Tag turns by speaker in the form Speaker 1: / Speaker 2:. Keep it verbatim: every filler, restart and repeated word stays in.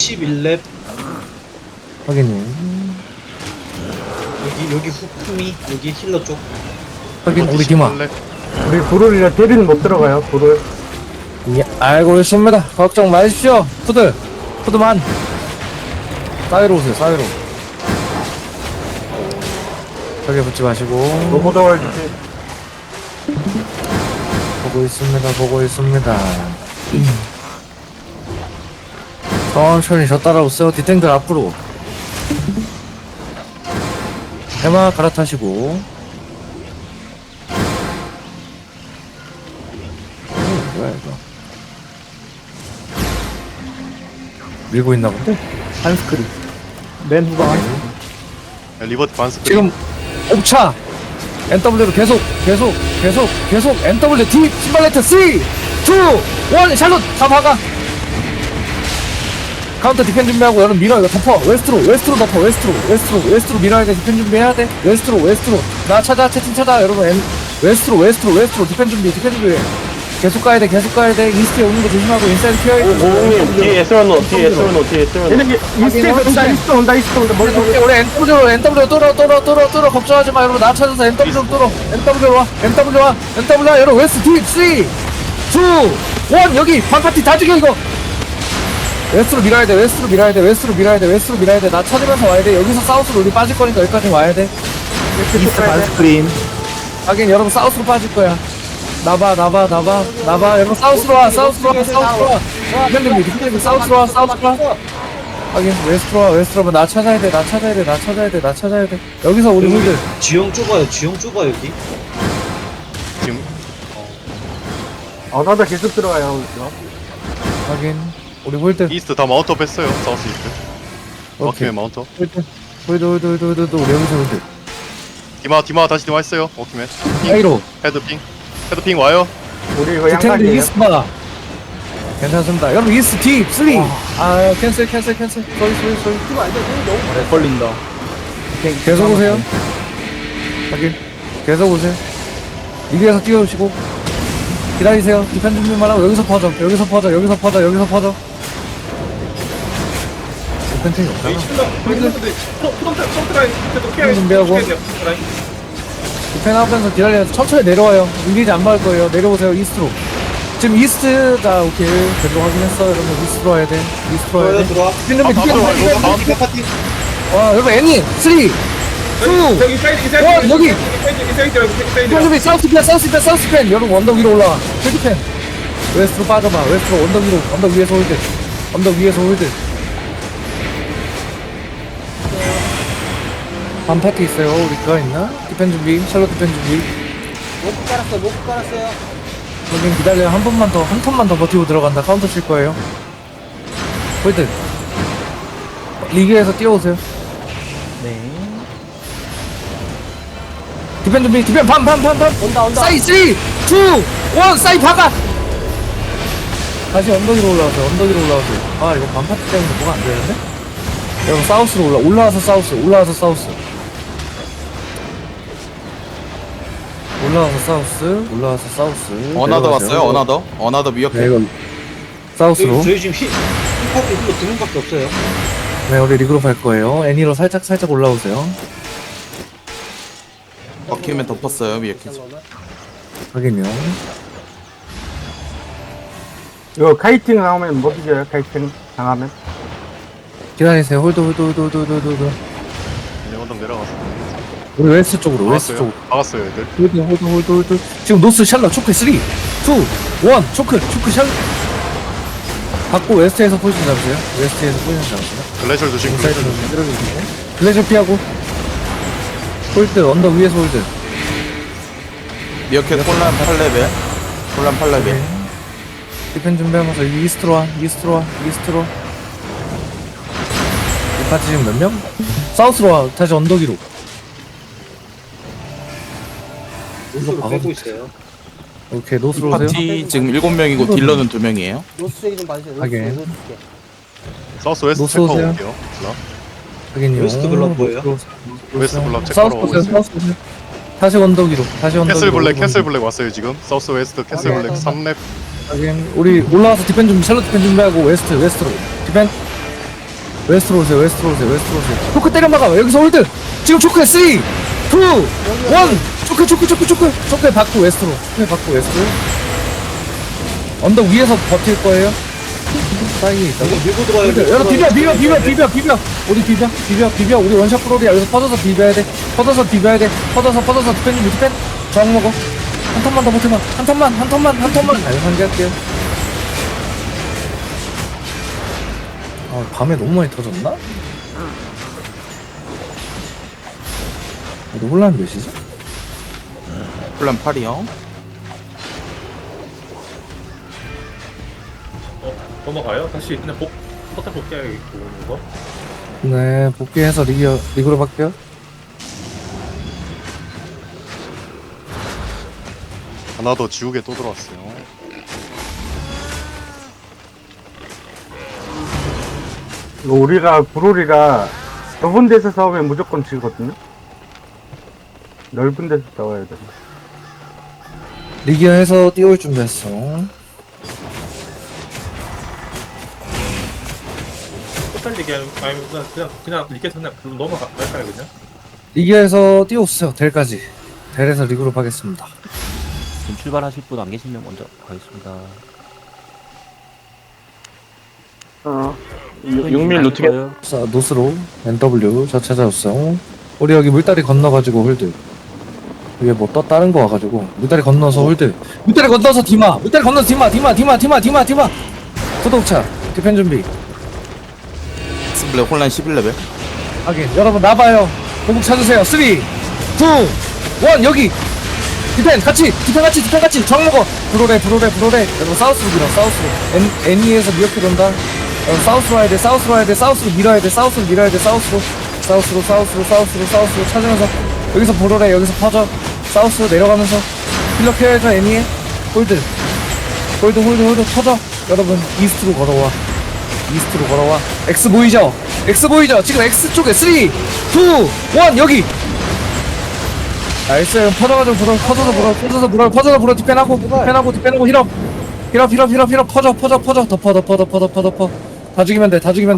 Speaker 1: 십일 렙.
Speaker 2: 확인님.
Speaker 1: 여기 여기 후, 후미 여기 힐러 쪽.
Speaker 2: 확인, 우리 디마.
Speaker 3: 우리 불을이라 데뷔는 못 들어가요. 불을.
Speaker 2: 예, 알고 있습니다. 걱정 마십시오. 푸드, 푸드만. 사이로 오세요, 사이로. 벽에 붙지 마시고.
Speaker 3: 너무 더워할 주지.
Speaker 2: 보고 있습니다, 보고 있습니다. 천천히 저 따라오세요. 디탱들 앞으로. 해마 갈아타시고. 음, 뭐야 이거. 밀고 있나 본데?
Speaker 3: 한스크린. 맨 후방.
Speaker 4: 리버트 반스
Speaker 2: 지금 옵차 엔더블유로 계속 계속 계속 계속 엔더블유 D 신발레트 삼, 이, 일 샬롯 다 박아. 카운터 디펜 준비하고 여러분 밀어. 이거 덮어. 웨스트로 웨스트로 덮어. 웨스트로 웨스트로 웨스트로 밀어야 돼. 디펜 준비해야 돼. 웨스트로 웨스트로 나 찾아. 채팅 찾아 여러분. 엔, 웨스트로 웨스트로 웨스트로 디펜 준비 디펜 준비. 계속 가야 돼. 계속 가야 돼. 이스트에 오는 거 조심하고 인사이드 피어야 돼.
Speaker 5: 오님 뒤에 에스런노 뒤에 에스런노 뒤에 에스런노
Speaker 3: 얘네 이스트에서 온다, 이스트 온다, 이스트 온다. 머리
Speaker 2: 우리 우리 엔더블유 엔더블유 뚫어 뚫어 뚫어 뚫어 걱정하지 마 여러분. 나 찾아서 엔더블유 뚫어. 엔더블유 와 엔더블유 와 엔더블유 와 여러분. 웨스트 D 삼, 이, 일 여기 반파티 다 죽여 이거. 웨스트로 밀어야 돼. 웨스트로 밀어야 돼. 웨스트로 밀어야 돼. 웨스트로 밀어야 돼. 나 찾으면서 와야 돼. 여기서 사우스로 우리 빠질 거니까 여기까지 와야 돼.
Speaker 3: 이스트 반스크린.
Speaker 2: 하긴 여러분 사우스로 빠질 거야. 나봐 나봐 나봐 나봐 여러분 사우스로 와 사우스로 와 사우스로 와 디펜딩 디펜딩 사우스로 와 사우스로 와. 하긴 웨스트로 와 웨스트로 와. 나 찾아야 돼. 나 찾아야 돼. 나 찾아야 돼. 나 찾아야 돼. 여기서 우리 홀들
Speaker 1: 지형 좁아요. 지형 좁아 여기.
Speaker 4: 지금
Speaker 3: 어, 나도 계속 들어가요. 그죠?
Speaker 2: 하긴 우리 홀들
Speaker 4: 이스트 다 마운트업 했어요. 사우스 이스트
Speaker 2: 오케이
Speaker 4: 워킹맨 마운트업.
Speaker 2: 홀들 홀들 홀들 홀들 홀들 우리 여기서 홀들
Speaker 4: 디마 디마 다시 디마 했어요. 워킹맨
Speaker 2: 사이로
Speaker 4: 헤드핑 헤드핑 와요.
Speaker 3: 우리 이거
Speaker 2: 디탱들
Speaker 3: 양각이에요.
Speaker 2: 이스트바 괜찮습니다. 여러분 이스트 D 삼 아 캔슬 캔슬 캔슬 쏘리 쏘리 쏘리
Speaker 5: 걸린다
Speaker 2: 계속 오세요. 확인. 계속 오세요. 이기에서 뛰어오시고 기다리세요. 디펜 준비만 하고 여기서 퍼져. 여기서 퍼져. 여기서 퍼져. 여기서 퍼져. 디펜팅이 없잖아. 디펜 준비하고 디펜 하면서 기다려서 천천히 내려와요. 밀리지 안 막을 거예요. 내려오세요. 이스트로. 지금 이스트 자 오케이 계속 확인했어. 여러분 이스트로 와야 돼. 이스트로 와야
Speaker 1: 들어와
Speaker 2: 돼.
Speaker 1: 들어와.
Speaker 2: 디펜 준비. 디펜
Speaker 4: 들어와,
Speaker 2: 준비.
Speaker 4: 들어와.
Speaker 1: 파티 파티.
Speaker 2: 와 여러분 애니 삼, 이, 일
Speaker 6: 여기 사이드 이 사이드
Speaker 2: 와,
Speaker 6: 여기
Speaker 2: 여기!
Speaker 6: 이 사이드 이 사이드 여기 이 사이드
Speaker 2: 디펜 사우스 펜 사우스 펜 사우스 펜 여러분 언덕 위로 올라와. 헤드펜 웨스트로 빠져봐. 웨스트로 언덕 위로 언덕 위에서 홀드 언덕 위에서 홀드. 반파티 있어요. 우리 그거 있나? 디펜 준비 샬롯 디펜 준비.
Speaker 1: 로프 깔았어. 로프 깔았어요.
Speaker 2: 여긴 기다려요. 한 번만 더 한 턴만 더 버티고 들어간다. 카운터 칠 거예요. 홀드 리그에서 뛰어오세요.
Speaker 5: 네
Speaker 2: 디펜 준비 디펜 팜팜팜팜
Speaker 5: 온다 온다
Speaker 2: 사이 삼, 이, 일 사이 박아. 다시 언덕 위로 올라와서 언덕 위로 올라와서 아 이거 반파티 때문에 뭐가 안 되는데? 여러분 사우스로 올라 올라와서 사우스 올라와서 사우스 올라와서 사우스 올라와서 사우스
Speaker 7: 어나더
Speaker 2: 내려가세요.
Speaker 7: 왔어요? 어나더? 어나더
Speaker 2: 네
Speaker 7: 미역해.
Speaker 2: 이거 사우스로
Speaker 1: 저희, 저희 지금 힐 힐파티 힐러 두 명밖에 없어요.
Speaker 2: 네 우리 리그로 갈 거예요. 애니로 살짝 살짝 올라오세요.
Speaker 7: 버킷맨 덮었어요. 미역해.
Speaker 2: 확인요.
Speaker 3: 이거 카이팅 나오면 못 이겨요. 카이팅 당하면.
Speaker 2: 기다리세요. 홀드 홀드 홀드 홀드 홀드 홀드
Speaker 4: 이제 언덕 내려갔어.
Speaker 2: 우리 웨스트 쪽으로 웨스트 쪽으로
Speaker 4: 박았어요. 박았어요 애들.
Speaker 2: 홀드 홀드 홀드 홀드 지금 노스 샬럿 초크 삼, 이, 일 초크 초크 샬럿 받고 웨스트에서 포지션 잡으세요. 웨스트에서 포지션 잡으세요.
Speaker 4: 글래셜 조심.
Speaker 2: 인사이드
Speaker 4: 글래셜 조심.
Speaker 2: 들어주시고 글래셔 피하고 홀드 언덕 위에서 홀드.
Speaker 7: 미역해 콜란 팔 레벨. 콜란 팔 레벨.
Speaker 2: 디펜 준비하면서 이스트로 와 이스트로 와 이스트로 이 파티 지금 몇 명? 사우스로 와 다시 언덕 위로.
Speaker 1: 노스로
Speaker 2: 박아도
Speaker 1: 빼고 있어요.
Speaker 2: 오케이 노스로 오세요.
Speaker 7: 파티 지금 일곱 명이고 딜러는 두 명이에요.
Speaker 5: 노스 쪽이 좀 봐주세요
Speaker 2: 하긴.
Speaker 5: 노스 노스 줄게.
Speaker 4: 사우스 웨스트
Speaker 2: 노스
Speaker 4: 체크하고
Speaker 2: 오세요.
Speaker 4: 올게요. 블락.
Speaker 2: 하긴요.
Speaker 1: 웨스트 블럭 뭐예요?
Speaker 4: 웨스트 블락
Speaker 2: 사우스
Speaker 4: 체크하러 오고
Speaker 2: 보세요.
Speaker 4: 있어요.
Speaker 2: 사우스 보세요. 다시 언덕 위로 다시 언덕
Speaker 4: 캐슬
Speaker 2: 위로.
Speaker 4: 블랙 캐슬 블랙 왔어요 지금. 사우스 웨스트 캐슬
Speaker 2: 오케이.
Speaker 4: 블랙 삼 렙.
Speaker 2: 하긴 우리 올라와서 디펜 준비 샬롯 디펜 준비하고 웨스트 웨스트로 디펜 웨스트로 오세요 웨스트로 오세요 웨스트로 오세요 초크 때려 막아 여기서 홀드 지금 초크에 삼, 이, 일 초크 초크 초크 초크 초크에 받고 웨스트로 초크에 받고 웨스트로 언덕 위에서 버틸 거예요 사이에 있다고
Speaker 1: 여기 밀고 들어와요.
Speaker 2: 여러분 비벼 비벼 비벼 비벼 비벼 우리 비벼 비벼 비벼 우리 원샷 프로리야 여기서 퍼져서 비벼야 돼 퍼져서 비벼야 돼 퍼져서 퍼져서 디펜 좀 디펜 저항 먹어 한 턴만 더 버텨봐 한 턴만 한 턴만 한 턴만 아니 한개할게요 아 밤에 너무 많이 터졌나? 너 혼란 몇이지?
Speaker 7: 혼란 팔이요.
Speaker 6: 어, 넘어가요? 다시 그냥 복, 포탈 복귀하고 오는 거?
Speaker 2: 네 복귀해서 리그, 리그로 바뀌어
Speaker 4: 하나 더 지우개 또 들어왔어요.
Speaker 3: 이거 우리가 브롤이라 좁은 데서 싸우면 무조건 지거든요. 넓은 데서 싸워야 돼.
Speaker 2: 리기어에서 뛰어올 준비했어
Speaker 6: 포탈 얘기하면 아니면 그냥 그냥 그냥 리켓 그냥 그럼 넘어갈까요 그냥?
Speaker 2: 리기어에서 뛰어오세요 델까지 델에서 리그로 가겠습니다
Speaker 5: 지금 출발하실 분 안 계시면 먼저 가겠습니다.
Speaker 3: 어.
Speaker 5: 육 밀 루트게.
Speaker 2: 자 노스로 엔더블유 저 찾아왔어 우리 여기 물다리 건너가지고 홀드 위에 뭐 또 다른 거 와가지고 물다리 건너서 홀드 물다리 건너서 디마 물다리 건너서 디마 디마 디마 디마 디마 디마 구독차 디펜 준비
Speaker 7: 엑스블랙 혼란 십일 레벨.
Speaker 2: 하긴 여러분 나봐요 공국 찾으세요 삼, 이, 일 여기 디펜 같이 디펜 같이 디펜 같이 정 먹어 브로레 브로레 브로레 여러분 사우스로 밀어 사우스로 애, 애니에서 미어킬 온다 여러분 사우스로 와야 돼 사우스로 와야 돼 사우스로 밀어야 돼 사우스로 밀어야 돼 사우스로 사우스로 사우스로 사우스로 사우스로 찾으면서 여기서 브로레 여기서 퍼져 사우스로 내려가면서 힐러 케어해줘 애니에 홀드 홀드 홀드 홀드 퍼져 여러분 이스트로 걸어와 이스트로 걸어와 X 보이죠? X 보이죠? 지금 X 쪽에 삼, 이, 일 여기 나이스 퍼져가지고 불어 퍼져서 불어 퍼져서 불어 퍼져서 불어 디펜하고 디펜하고 디펜하고 힐업 힐업 힐업 힐업 힐업 퍼져 퍼져 퍼져 덮어 덮어 덮어 덮어 덮어 다 죽이면 돼다 죽이면 돼